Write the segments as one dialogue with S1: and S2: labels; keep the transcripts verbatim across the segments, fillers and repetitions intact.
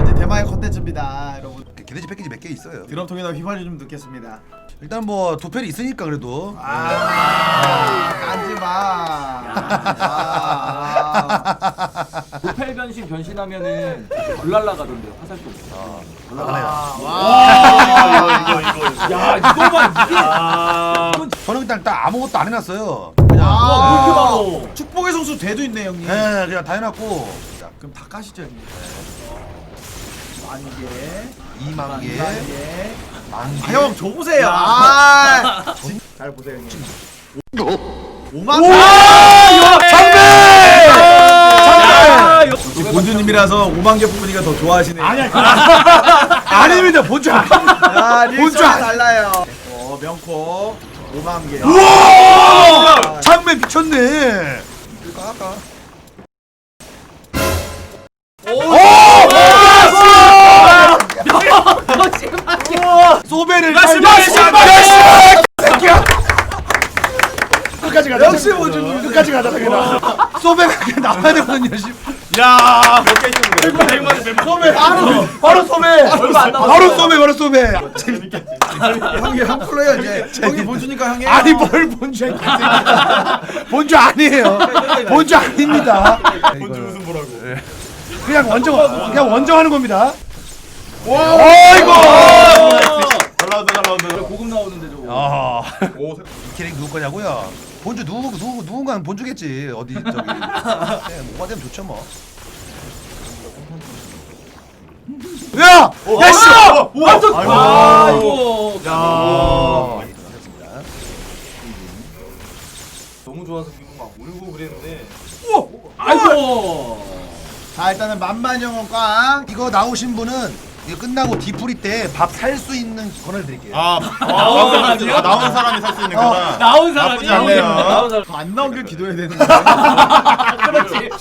S1: 이제 대망의 컨텐츠입니다, 여러분.
S2: 개돼지 패키지 몇 개 있어요.
S1: 드럼통에다 휘발유 좀 넣겠습니다.
S2: 일단 뭐 도펠이 있으니까 그래도.
S1: 아, 까지 마.
S3: 도펠 변신 변신하면은 불 날라가던데요. 화살 쏘고.
S1: 와,
S4: 이거 이거 이거.
S3: 야 이거만 이게.
S4: 아.
S2: 저는 일단 딱 아무것도 안 해놨어요. 그냥
S1: 아,
S3: 와 이렇게 바로.
S1: 축복의 성수 대도 있네, 형님.
S2: 네, 그냥 다 해놨고
S1: 그럼 다 까시죠, 형님. 만 개,
S2: 이만 개,
S1: 만 개.
S2: 만 개.
S1: 아, 형, 저 보세요. 아, 잘 보세요, 형님. 오만 개. 지금 본주님이라서 오만 개 뽑으니까 더 좋아하시네요.
S2: 아니야, 아닙니다. 본주 아니.
S1: 야,
S2: 본주
S1: 본주
S2: 아니-
S1: 달라요. 어, 명코 오만 개.
S2: 우와! 장면 미쳤네. 이거 아까. 소베를 새끼야. 끝까지 가자.
S1: 역시 본주님.
S2: 끝까지 가자. 그냥. 소베가 그냥 나와야 되거든요. 씨.
S4: 야, 몇 개 있었는데? 백만 백만.
S2: 소베 바로 바로 소베.
S3: 얼마 안 남았어.
S2: 바로 소베 바로 소베.
S1: 형이 형 콜러요 이제. 형이 본주니까 형이.
S2: 아니 뭘 본주야. 본주 아니에요. 본주 아닙니다.
S4: 본주 무슨 뭐라고?
S2: 그냥 원정 그냥 원정하는 겁니다.
S4: 어이구. 잘 나온다 잘 나온다.
S3: 고급 나오는데 저거.
S2: 아.
S4: 오,
S2: 이 캐릭 누구 거냐고요? 본주 누구 누구 누군가는 본주겠지. 어디 저기. 네, 뭐가 되면 좋죠 뭐. 야! 야 씨!
S3: 완전.
S4: 아이고.
S3: 아 이거.
S4: 야.
S3: 너무 좋아서 지금 막 울고 그랬는데.
S1: 아이고. 자, 일단은 만만영원 꽝.
S2: 이거 나오신 분은 이거 끝나고 디프리 때 밥 살 수 있는 권을 드릴게요.
S4: 아, 나온 사람이 아, 나온 사람이 살 수 있는 거다.
S3: 나온 사람이
S4: 나쁘지 않네요.
S3: 나온 사람.
S1: 안 나온 길 기도해야 되는 거야.
S3: 그렇지.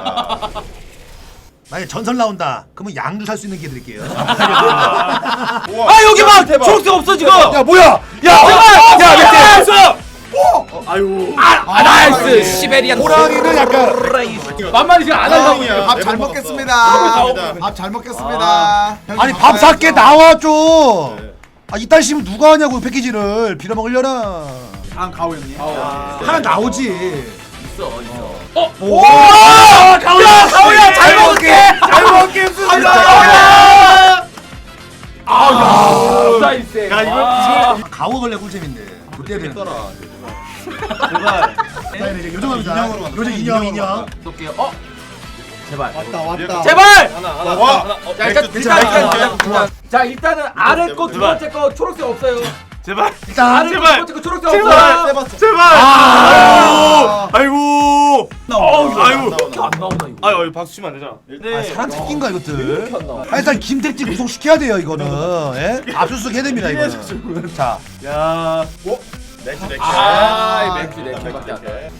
S2: 만약에 전설 나온다. 그러면 양주 살 수 있는 기회 드릴게요.
S4: 아,
S3: 여기 막 초록색 없어 지금.
S2: 야 뭐야? 야 제발! 야 몇 개?
S4: 아유.
S3: 아 나이스 시베리안.
S2: 호랑이는 약간
S3: 만만히 지금 안 하려고.
S1: 밥 잘 먹겠습니다.
S4: 먹겠습니다.
S1: 밥 잘 먹겠습니다. 형님
S2: 아니
S1: 밥
S2: 밥 살게
S1: 사야죠.
S2: 나와 좀. 아 이딴 식으면 누가 하냐고 패키지를 빌어먹으려나.
S1: 다음 가오 형님.
S2: 하나 나오지.
S3: 있어 있어.
S2: 오! 가오야 가오야 잘 먹을게. 잘 먹겠습니다.
S3: 아 나이스.
S4: 야, 이거
S2: 가오 걸레 꿀잼인데. 그때 되는.
S4: 제발.
S2: 이제 요정합니다.
S4: 인형으로 만들어.
S2: 요정 인형 인형.
S3: 쏠게요. 어? 제발.
S1: 왔다 왔다.
S3: 제발.
S4: 하나 하나. 와.
S3: 자 일단
S4: 맥주,
S3: 일단
S4: 맥주,
S3: 일단
S4: 맥주.
S3: 일단 자 일단은 아래 거 두
S4: 제발.
S3: 번째 거 초록색 없어요.
S4: 제발.
S2: 일단
S3: 아래 거 두 번째 거 초록색
S4: 제발.
S3: 없어요.
S4: 제발.
S1: 아.
S4: 아이고.
S3: 어우
S4: 아이고.
S3: 이렇게 안 나오나 이거.
S4: 아유, 여기 박수 치면 안 되잖아.
S2: 아, 사람 새끼인가 이것들?
S3: 이렇게 안 나와.
S2: 아, 일단 김택지 구속시켜야 돼요 이거는. 예? 압수수색 해야 됩니다 이거는. 자,
S4: 야. 오. 맥주 맥주.
S3: 아, 이 맥주 네 캔밖에 안 돼.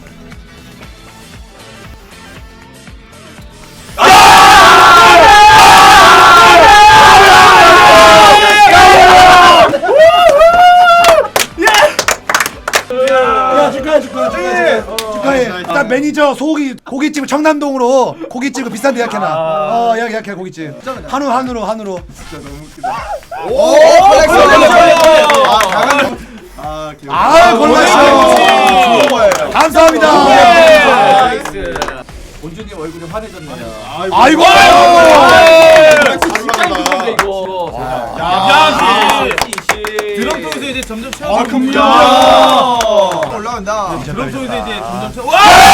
S2: 야 축하해 축하해 축하해 축하해. 일단 매니저 소고기 고깃집 청남동으로 고깃집 비싼 데 예약해놔. 어 예약 예약해 고깃집. 한우 한우로 한우로.
S1: 오, 컬렉션. 아, 강한. 아, 귀여워.
S2: 아 골랐어.
S1: 좋아요.
S2: 감사합니다.
S3: 나이스. 본주님 얼굴이 환해졌네요.
S2: 아이고.
S3: 진짜 힘든데 이거.
S4: 야,
S3: 드럼통에서 이제 점점 채워.
S1: 아, 금야. 올라간다.
S3: 드럼통에서 이제 점점 채워.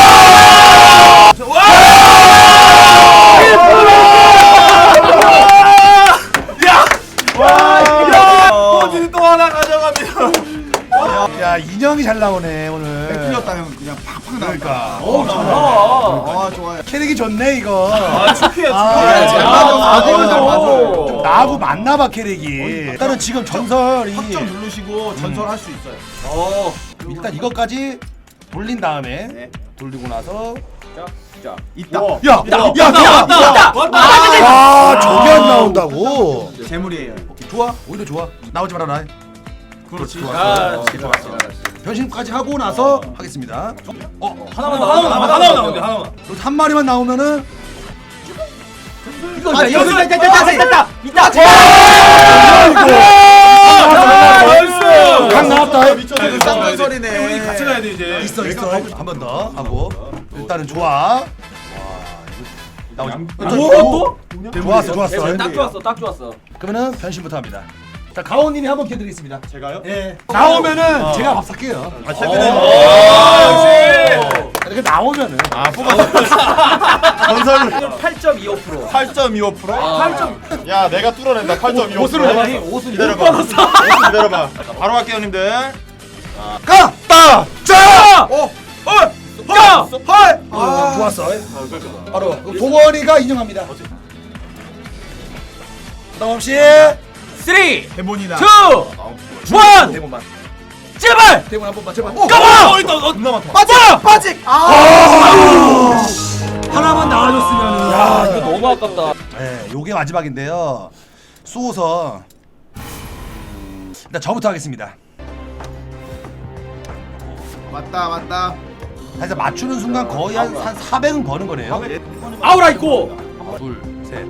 S4: 본진이 또 하나 가져갑니다.
S2: 야 인형이 잘 나오네 오늘.
S1: 틀렸다 형 그냥 팍팍 나니까.
S3: 오 잘 나와.
S1: 아, 좋아요.
S2: 캐릭이 좋네 이거.
S4: 아, 축해.
S2: 아,
S1: 잘
S2: 아,
S1: 맞아.
S2: 아,
S1: 맞아,
S2: 좀
S1: 맞아.
S2: 좀 나하고 맞나봐 캐릭이. 일단은 지금 전설이
S1: 확정 누르시고 전설할 수 있어요.
S3: 어.
S2: 일단 이것까지 돌린 다음에
S1: 네.
S2: 돌리고 나서
S3: 자, 자.
S1: 있다.
S4: 우와.
S2: 야! 야! 야!
S3: 왔다.
S2: 아 저게 안 나온다고?
S1: 재물이에요.
S2: 오케이, 좋아 오히려 좋아 나오지 말아라.
S1: 그렇지.
S3: 아,
S1: 좋아.
S2: 변신까지 하고 나서 하겠습니다. 어?
S3: 하나만 더.
S4: 하나만 하나만 나오는데 하나만.
S2: 그리고 한 마리만 나오면은
S3: 이거
S1: 아,
S3: 이거
S1: 이거
S3: 있다 있다 있다 있다.
S4: 나이스.
S2: 강 나왔다.
S1: 미쳤어. 쌍전설이네.
S4: 우리 같이 가야 돼 이제.
S2: 있어 있어. 한 번 더 하고 일단은 좋아. 와 이거
S3: 또?
S2: 좋았어 좋았어.
S3: 딱 좋았어 딱 좋았어.
S2: 그러면은 변신부터 합니다. 자 가오님이 한번 기회드리겠습니다.
S4: 제가요?
S2: 예. 나오면은 제가 밥 살게요.
S4: 아 최근에.
S3: 아,
S4: 역시.
S2: 이렇게 나오면은
S4: 아 뽑았어. 전설
S3: 팔 점 이오 퍼센트.
S4: 팔 점 이오 퍼센트.
S3: 팔 점.
S4: 야 내가 뚫어낸다. 팔 점 이오 퍼센트.
S2: 옷으로 해봐.
S3: 옷은
S4: 기다려봐. 옷은 기다려봐. 자, 바로 갈게요 형님들.
S2: 가! 따! 짜!
S4: 어. 어.
S3: 야!
S4: 헐.
S2: 아, 좋았어. 바로 동원이가 인정합니다. 부담 없이
S3: 쓰리,
S4: 대본이나.
S3: 투, 원.
S4: 대본만.
S3: 제발.
S2: 대본 한 번만 제발.
S3: 가봐.
S4: 어 있다. 어 겁나 많다.
S3: 빠져. 빠지.
S2: 하나만 나와줬으면은.
S3: 야 이거 너무 아깝다.
S2: 네, 요게 마지막인데요. 쏘서 일단 저부터 하겠습니다.
S1: 맞다 맞다.
S2: 사실 맞추는 순간 거의 한, 한 사백은 버는 거네요.
S3: 아우라 있고.
S2: 둘, 셋.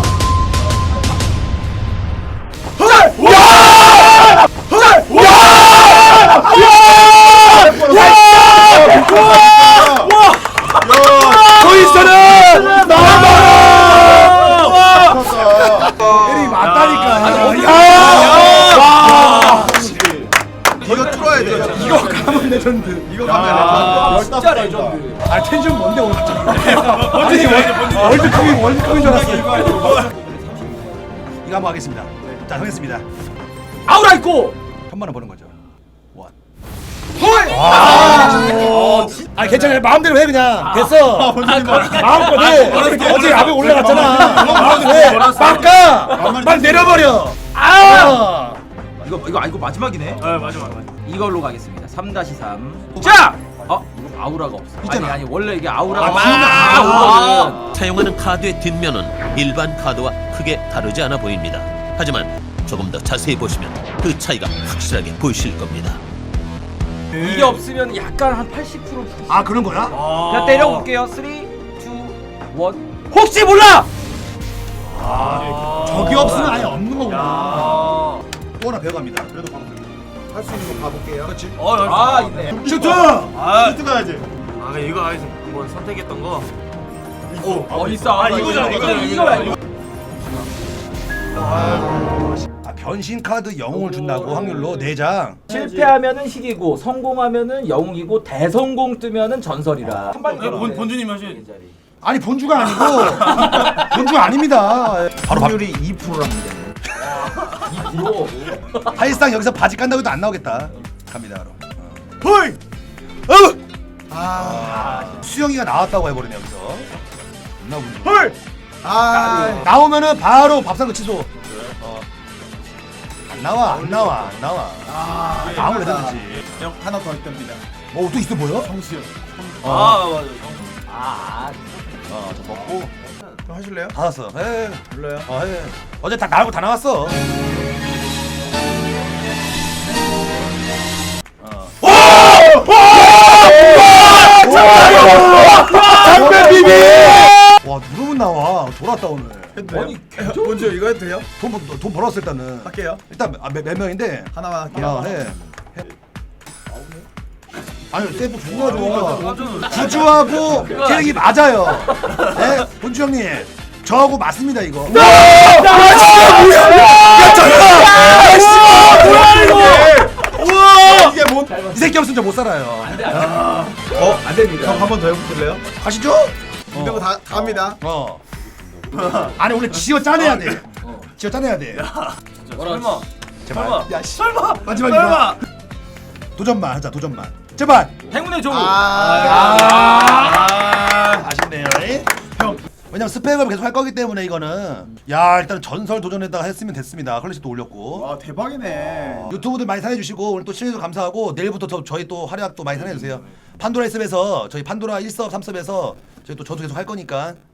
S2: 조이스는 나와봐! 에리 맞다니까. 야!
S1: 이거 뚫어야 돼.
S2: 이거 가면 레전드.
S1: 이거 가면
S3: 진짜 레전드.
S2: 아 텐션 뭔데 오늘 갑자기? 아니 월드컵이 월드컵인 줄 알았어. 이거 한번 하겠습니다. 자 정했습니다.
S3: 아우라 있고.
S2: 천만 원 버는 거죠. 원. 헐! 아 괜찮아요. 마음대로 해 그냥. 됐어. 마음껏 해. 어제 어제 앞에 올라갔잖아. 마음대로 해. 막가. 막 내려버려. 아!
S3: 이거 이거 아 이거 마지막이네.
S4: 아 맞아 맞아.
S3: 이걸로 가겠습니다. 삼 대 삼. 자! 어? 이거 아우라가 없어.
S2: 있잖아.
S3: 아니 아니 원래 이게 아우라가
S2: 아,
S3: 막
S2: 아우라.
S3: 오거든.
S5: 사용하는 카드의 뒷면은 일반 카드와 크게 다르지 않아 보입니다. 하지만 조금 더 자세히 보시면 그 차이가 확실하게 보이실 겁니다.
S3: 이게 없으면 약간 한 팔십 퍼센트.
S2: 아 그런 거야?
S3: 그냥 때려볼게요. 삼, 이, 일. 혹시 몰라!
S2: 적이 없으면 아예 없는 거구나.
S4: 아.
S2: 또 하나 배워갑니다.
S4: 그래도 방금.
S1: 할 수 있는 거 봐볼게요.
S2: 그렇지.
S4: 어
S3: 아 있네.
S2: 슈트!
S4: 아 슈트 가야지. 아 이거 아직 한번 선택했던 거. 오.
S3: 어 있어.
S4: 아 이거잖아
S3: 이거
S4: 이거잖아
S3: 이거야 이거.
S2: 아, 변신 카드 영웅을 준다고 확률로 네 장.
S3: 실패하면은 희귀고 성공하면은 영웅이고 대성공 뜨면은 전설이라. 한 발이
S4: 본 본주님 하시.
S2: 아니 본주가 아니고 본주가 아닙니다. 바로 밥.
S1: 확률이 이 퍼센트랍니다.
S3: 이거.
S2: 사실상 여기서 바지 깐다고 해도 안 나오겠다. 갑니다 바로.
S4: 헐.
S2: 어!
S1: 아,
S2: 수영이가 나왔다고 해버리네 여기서. 안 나오군요.
S4: 헐.
S1: 아,
S2: 나오면은 바로 밥상 거 취소. 어. 안 나와 안 나와 안 나와.
S1: 아,
S2: 나오면 되든지.
S4: 형 하나 더 있답니다.
S2: 뭐 또 있어 보여?
S4: 정수요. 아 맞아.
S3: 아.
S2: 어, 저 먹고
S1: 좀 하실래요?
S2: 받았어. 에.
S1: 불러요.
S2: 어, 에. 어제 다 나오고 다 나왔어. 장배 비비! 와 누르면 나와. 돌았다 오늘.
S1: 아니, 먼저 이거 해도 돼요?
S2: 돈, 벌- 돈 벌었어 일단은.
S1: 할게요.
S2: 일단 아, 몇, 몇 명인데
S1: 하나만 할게요.
S2: 하나 해. 해. 아니 세이프 존나 좋아. 구주하고 캐릭이 맞아요. 네? 본주 형님 저하고 맞습니다 이거.
S1: 우와! 이게 뭔?
S2: 이 새끼 없으면 저 못 살아요.
S1: 어? 안 됩니다. 형 한 번 더 해보실래요?
S2: 가시죠?
S1: 이거 다, 다 합니다.
S2: 어. 아니 원래 지어 짜내야 돼. 지어 짜내야 돼.
S4: 설마.
S2: 제발.
S4: 설마.
S2: 야, 씨.
S4: 설마.
S2: 마지막이다.
S4: 설마.
S2: 도전만 하자 도전만. 제발.
S3: 행운의 종우.
S1: 아,
S2: 아, 아쉽네요. 형. 왜냐면 스펙을 계속 할 거기 때문에 이거는 야 일단 전설 도전에다가 했으면 됐습니다. 클래식도 올렸고
S1: 와 대박이네.
S2: 유튜브들 많이 사랑해주시고 오늘 또 시청해주셔서 감사하고 내일부터 저, 저희 또 활약 또 많이 사랑해주세요. 판도라 일 섭에서 저희 판도라 일 섭, 삼 섭에서 저희 또 저도 계속 할 거니까